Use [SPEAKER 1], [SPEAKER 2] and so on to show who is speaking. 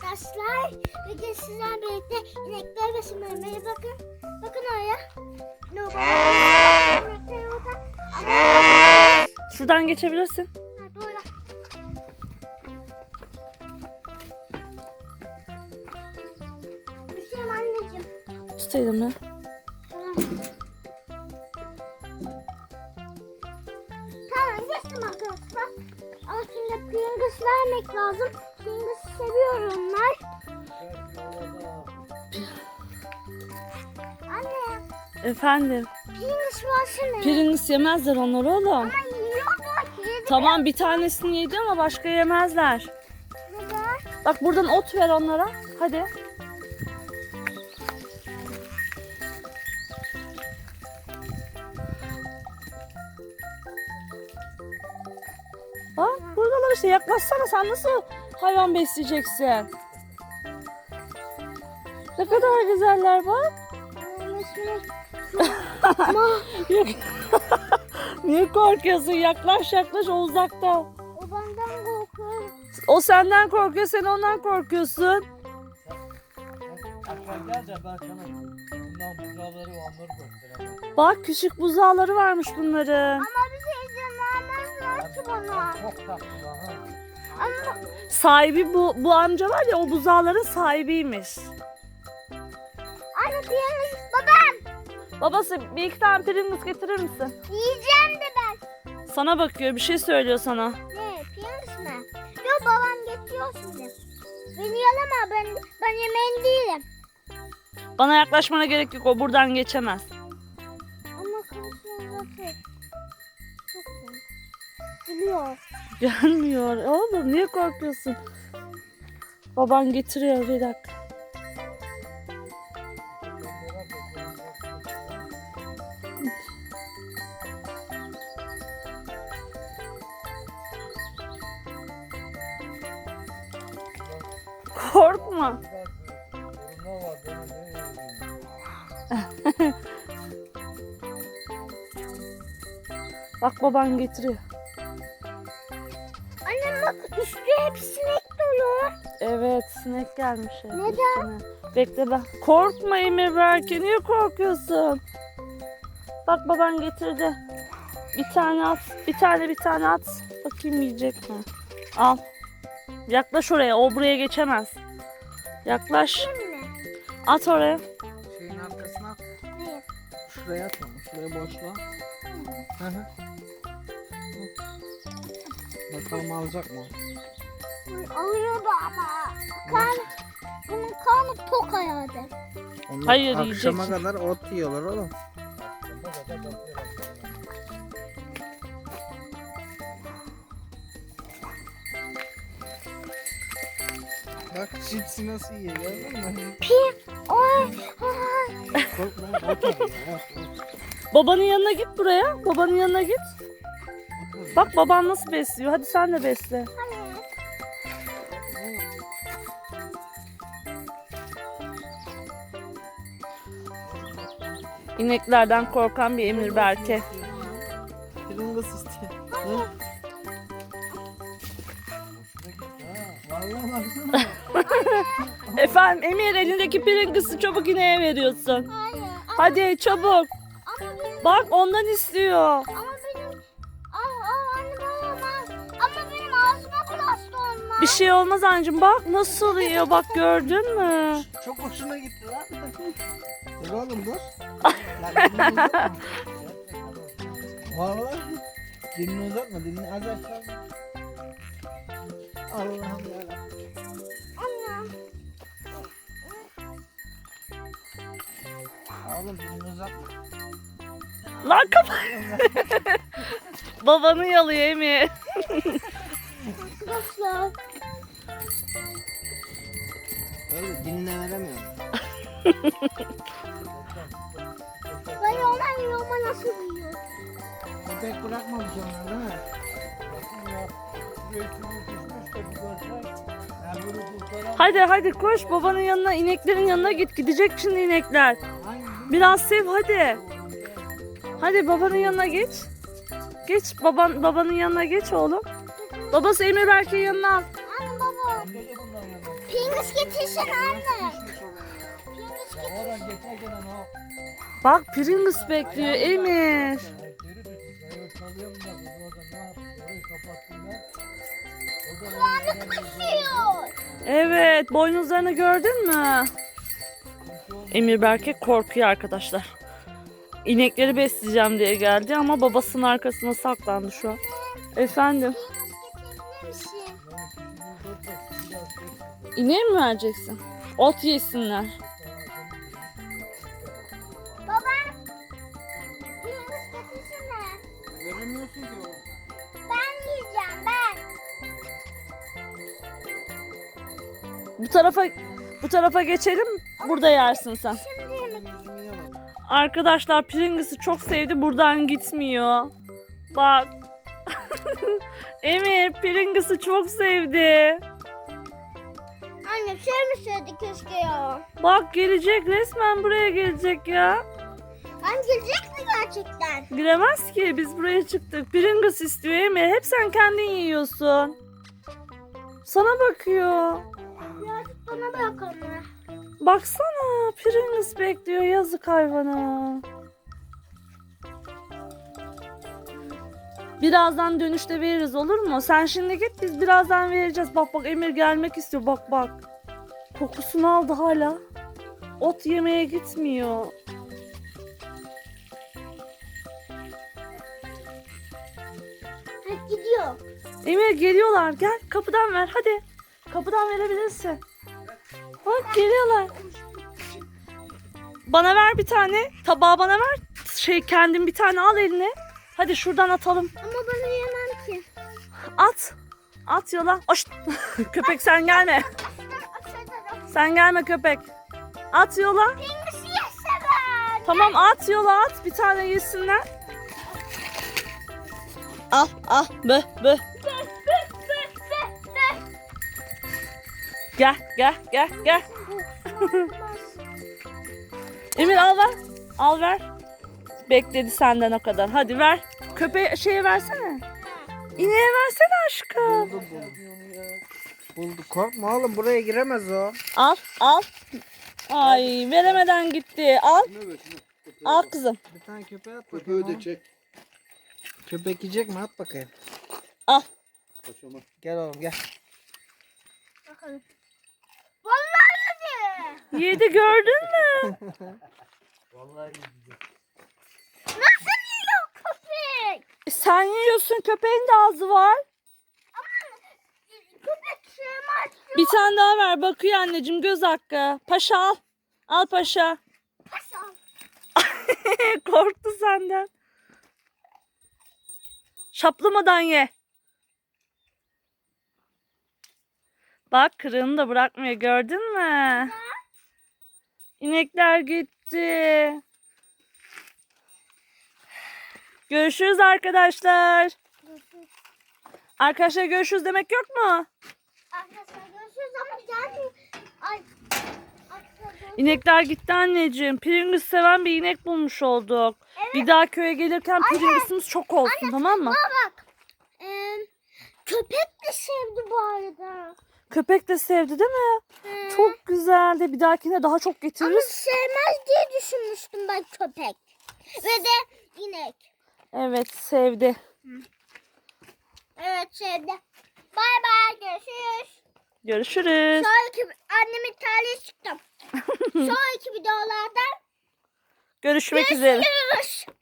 [SPEAKER 1] arkadaşlar. Bugün sizlerle birlikte inekler beslemeye bakın. Bakın oraya. İnekler orada.
[SPEAKER 2] Şuradan geçebilirsin.
[SPEAKER 1] Ha, doğru. Düşeyim anneciğim.
[SPEAKER 2] Tutayım mı?
[SPEAKER 1] Tamam. Tamam geçtim arkadaşlar. Ama şimdi Pringles vermek lazım. Pringles seviyor onlar. Anne,
[SPEAKER 2] Efendim.
[SPEAKER 1] Pringles versene.
[SPEAKER 2] Pringles yemezler onlar oğlum.
[SPEAKER 1] Ama yiyorlar. Yedi.
[SPEAKER 2] Tamam bir tanesini yedi ama başka yemezler.
[SPEAKER 1] Neden?
[SPEAKER 2] Bak buradan ot ver onlara. Hadi. Bak buradalar işte, yaklaşsana, sen nasıl hayvan besleyeceksin? Ne kadar güzeller bak. Yok. Niye korkuyorsun? Yaklaş yaklaş, o uzakta.
[SPEAKER 1] O benden korkuyor.
[SPEAKER 2] O senden korkuyor, sen ondan korkuyorsun.
[SPEAKER 3] Akşam gel de ben sana bundan buzağları onları göstereyim.
[SPEAKER 2] Bak küçük buzağları varmış bunların.
[SPEAKER 1] Ama bir şey vermezler ki bana.
[SPEAKER 3] Çok tatlılar ha.
[SPEAKER 1] Ama
[SPEAKER 2] Sahibi bu amca var ya, o buzağların sahibiymiş.
[SPEAKER 1] anne Pringles babam.
[SPEAKER 2] Babası bir iki tane Pringles getirir misin?
[SPEAKER 1] Yiyeceğim de ben.
[SPEAKER 2] Sana bakıyor, bir şey söylüyor sana.
[SPEAKER 1] Ne? Pringles mi? Yok babam getiriyor şimdi. Beni yalama, ben yemeğin değilim.
[SPEAKER 2] Bana yaklaşmana gerek yok, o buradan geçemez.
[SPEAKER 1] Ama konuşuyor zaten. Çok iyi. Biliyor.
[SPEAKER 2] Gelmiyor. Oğlum niye korkuyorsun? Baban getiriyor, bir dakika. Korkma.
[SPEAKER 3] Sorunlar var benim.
[SPEAKER 2] Bak baban getiriyor.
[SPEAKER 1] Annem bak üstü hep sinek dolu.
[SPEAKER 2] Evet, sinek gelmiş.
[SPEAKER 1] Neden?
[SPEAKER 2] üstüne. Bekle ben. Korkma Emir Berke, niye korkuyorsun? Bak baban getirdi. Bir tane at. Bir tane at. Bakayım yiyecek mi? Al. Yaklaş oraya. O buraya geçemez. Yaklaş.
[SPEAKER 1] Şimdi.
[SPEAKER 2] At oraya.
[SPEAKER 3] Şeyin arkasına at.
[SPEAKER 1] Ne?
[SPEAKER 3] Şuraya atma. Şuraya boşla. Hı hı. Bakalım alacak mı?
[SPEAKER 1] Alıyordu ama. Bunun karnı tok herhalde.
[SPEAKER 3] Onlar
[SPEAKER 2] Hayır,
[SPEAKER 3] akşama
[SPEAKER 2] yiyecek.
[SPEAKER 3] kadar ot yiyorlar oğlum. Bak cipsi nasıl yiyor gördün mü?
[SPEAKER 1] Oy. Ay.
[SPEAKER 3] Korkma, korkma.
[SPEAKER 2] Babanın yanına git buraya. Babanın yanına git. Bak baban nasıl besliyor. Hadi sen de besle.
[SPEAKER 1] Hani?
[SPEAKER 2] İneklerden korkan bir Emir Berke.
[SPEAKER 3] Pringles istiyor. Hı? Vallahi baksana.
[SPEAKER 2] Efendim Emir, elindeki Pringles'ı çabuk ineğe veriyorsun.
[SPEAKER 1] Hayır.
[SPEAKER 2] Hadi çabuk.
[SPEAKER 1] Ama benim.
[SPEAKER 2] Bak ondan istiyor.
[SPEAKER 1] Ama benim. Anne babam. Ama benim ağzıma bulaştı onlar.
[SPEAKER 2] Bir şey olmaz anneciğim, bak nasıl yiyor, bak gördün mü?
[SPEAKER 3] Çok hoşuna gitti lan. Dur oğlum dur. Lan dilini uzatma. Vallahi dilini uzatma, dilini az aşağı. Allah'ım yarabbim.
[SPEAKER 1] Anne.
[SPEAKER 3] Oğlum dilini uzatma.
[SPEAKER 2] Lan kapat. Babanı yalıyor Emir.
[SPEAKER 1] Arkadaşlar.
[SPEAKER 3] Öyle diline veremiyorum.
[SPEAKER 1] Ben onlar yiyorum nasıl yiyor?
[SPEAKER 3] Köpek bırakmamış onlar değil mi?
[SPEAKER 2] Hadi koş babanın yanına, ineklerin yanına git. Gidecek şimdi inekler. Biraz sev hadi. Hadi babanın yanına geç. Geç babanın yanına geç oğlum. Babası Emir Berke'yi yanına al.
[SPEAKER 1] Anne baba. Pringles getirsen anne. Pringles getir.
[SPEAKER 3] Oradan geçerken o.
[SPEAKER 2] Bak Pringles bekliyor Emir.
[SPEAKER 1] Kulağını kısıyor.
[SPEAKER 2] Evet, boynuzlarını gördün mü? Emir Berke korkuyor arkadaşlar. İnekleri besleyeceğim diye geldi ama babasının arkasına saklandı şu an. Efendim,
[SPEAKER 1] Pringles getirebilir misin?
[SPEAKER 2] ineğe mi vereceksin? Ot yesinler.
[SPEAKER 1] Baba. Pringles getirsene.
[SPEAKER 3] Veremiyorsun ki o.
[SPEAKER 1] Ben yiyeceğim ben.
[SPEAKER 2] Bu tarafa geçelim. Burada yersin sen.
[SPEAKER 1] Şimdi yemek.
[SPEAKER 3] Yüzümü yemem.
[SPEAKER 2] Arkadaşlar Pringles'ı çok sevdi. Buradan gitmiyor. Bak. Emir Pringles'ı çok sevdi.
[SPEAKER 1] Anne sevmeseydi keşke ya.
[SPEAKER 2] Bak gelecek, resmen buraya gelecek ya.
[SPEAKER 1] Anne gelecek mi gerçekten?
[SPEAKER 2] Giremez ki, biz buraya çıktık. Pringles istiyor Emir. Hep sen kendin yiyorsun. Sana bakıyor.
[SPEAKER 1] Birazcık bana bırak anne.
[SPEAKER 2] Baksana Pringles bekliyor, yazık hayvana. Birazdan dönüşte veririz, olur mu? Sen şimdi git, biz birazdan vereceğiz. Bak bak Emir gelmek istiyor, bak bak. Kokusunu aldı hala. Ot yemeye gitmiyor.
[SPEAKER 1] Hadi gidiyor.
[SPEAKER 2] Emir geliyorlar, gel kapıdan ver hadi. Kapıdan verebilirsin. Bak geliyorlar. Bana ver bir tane. Tabağı bana ver. Kendin bir tane al eline. Hadi şuradan atalım.
[SPEAKER 1] Ama bana yemem ki.
[SPEAKER 2] At. At yola. Oş. Köpek sen gelme. Sen gelme köpek. At yola.
[SPEAKER 1] Pringles yese ben.
[SPEAKER 2] Tamam at yola at. Bir tane yesinler. Al al. Bö bö. Gel gel gel gel. Emir al ver. Al ver. Bekledi senden o kadar. Hadi ver. Köpeğe şeye versene. İneğe versene aşkım.
[SPEAKER 3] Bulduk. Korkma oğlum, buraya giremez o.
[SPEAKER 2] Al al. Ay veremeden gitti. Al. Al kızım.
[SPEAKER 3] Bir tane köpeğe at
[SPEAKER 4] Köpeği
[SPEAKER 3] bakayım.
[SPEAKER 4] de çek.
[SPEAKER 3] Köpek yiyecek mi? At bakayım.
[SPEAKER 2] Al.
[SPEAKER 4] Kaçama.
[SPEAKER 3] Gel oğlum gel.
[SPEAKER 1] Bakalım. Vallahi yedi.
[SPEAKER 2] Yedi gördün mü?
[SPEAKER 3] Vallahi
[SPEAKER 1] Nasıl yiyor köpek?
[SPEAKER 2] Sen yiyorsun, köpeğin de ağzı var.
[SPEAKER 1] Köpek sevmez.
[SPEAKER 2] Bir tane daha ver, bakıyor anneciğim, göz hakkı. Paşa al. Al paşa.
[SPEAKER 1] Hasan.
[SPEAKER 2] Korktu senden. Şaplamadan ye. Bak kırığını da bırakmıyor, gördün mü? İnekler gitti. Görüşürüz arkadaşlar. Arkadaşlar görüşürüz demek yok mu?
[SPEAKER 1] Arkadaşlar görüşürüz ama gelmiyor. Ay. Arkadaşlar.
[SPEAKER 2] İnekler gitti anneciğim. Pringles seven bir inek bulmuş olduk. Bir daha köye gelirken Pringles'ımız çok olsun, tamam mı?
[SPEAKER 1] Bak. Köpek de sevdi bu arada.
[SPEAKER 2] Köpek de sevdi değil mi? Çok güzeldi. Bir dahakine daha çok
[SPEAKER 1] Ama
[SPEAKER 2] getiririz.
[SPEAKER 1] sevmez diye düşünmüştüm ben köpek. Ve de inek.
[SPEAKER 2] Evet sevdi.
[SPEAKER 1] Evet sevdi. Bay bay görüşürüz.
[SPEAKER 2] Görüşürüz.
[SPEAKER 1] Sonraki annemin tarihi çıktım. Sonraki videolarda
[SPEAKER 2] Görüşmek üzere.
[SPEAKER 1] görüşürüz.